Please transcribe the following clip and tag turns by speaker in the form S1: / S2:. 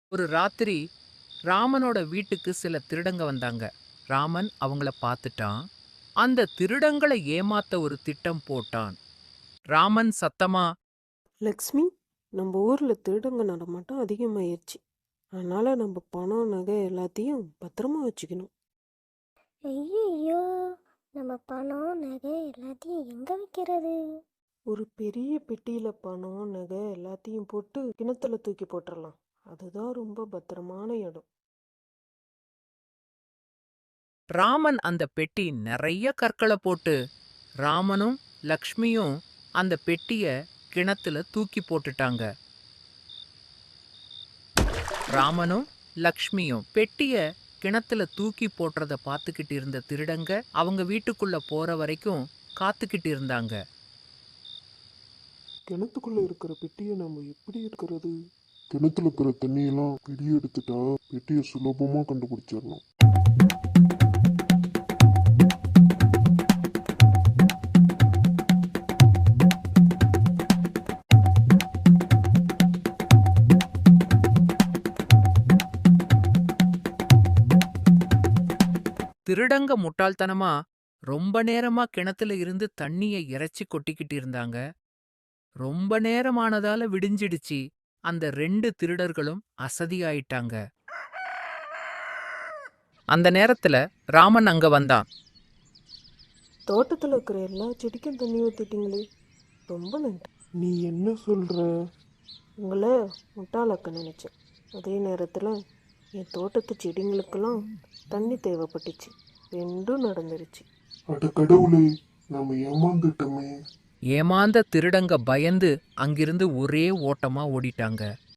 S1: ஒரு ராத்திரி ராமனோட வீட்டுக்கு சில திருடங்க வந்தாங்க. ராமன் அவங்கள பார்த்துட்டான். அந்த திருடங்களை ஏமாத்த ஒரு திட்டம் போட்டான். ராமன் சத்தமா,
S2: லக்ஷ்மி, நம்ம ஊர்ல திருடங்க நடமாட்டம் அதிகமாயிருச்சு. அதனால நம்ம பணம் நகை எல்லாத்தையும் பத்திரமா வச்சுக்கணும்.
S3: ஐயையோ! நம்ம பணம், நகை எல்லாத்தையும் எங்க வைக்கிறது?
S2: ஒரு பெரிய பெட்டியில பணம் நகை எல்லாத்தையும் போட்டு கிணத்துல தூக்கி போட்டுறலாம். அதுதான் ரொம்ப பத்திரமான இடம்.
S1: ராமன் அந்த பெட்டி நிறைய கற்களை போட்டு ராமனும் லக்ஷ்மியும் அந்த பெட்டிய கிணத்துல தூக்கி போட்டுட்டாங்க. ராமனும் லக்ஷ்மியும் பெட்டிய கிணத்துல தூக்கி போடுறத பார்த்துக்கிட்டு இருந்த திருடங்க அவங்க வீட்டுக்குள்ள போற வரைக்கும் காத்துக்கிட்டு இருந்தாங்க.
S4: கிணத்துக்குள்ள இருக்கிற பெட்டியை நம்ம எப்படி இருக்கிறது? கிணத்துல இருக்கிற தண்ணியெல்லாம் வெளியே எடுத்துட்டா பெட்டியை சுலபமா கண்டுபிடிச்சிடலாம்.
S1: திருடங்க முட்டாள்தனமா ரொம்ப நேரமா கிணத்துல இருந்து தண்ணிய இறைச்சி கொட்டிக்கிட்டு இருந்தாங்க. ரொம்ப நேரமானதால விடிஞ்சிடுச்சு. அந்த 2 திருடர்களும் அசதியாயிட்டாங்க. அந்த நேரத்துல ராமன் அங்க வந்தான்.
S2: தோட்டத்துல இருக்கிற எல்லா செடிக்கும் தண்ணி ஊத்திட்டீங்களே, ரொம்ப நன்றி.
S4: நீ என்ன சொல்ற?
S2: உங்களை முட்டாளாக்க நினைச்சேன். அதே நேரத்துல என் தோட்டத்து செடிங்களுக்கெல்லாம் தண்ணி தேவைப்பட்டுச்சு. ரெண்டும் நடந்துருச்சு.
S4: அட கடவுளே, நாம ஏமாந்துட்டோமே.
S1: ஏமாந்த திருடங்க பயந்து அங்கிருந்து ஒரே ஓட்டமா ஓடிட்டாங்க.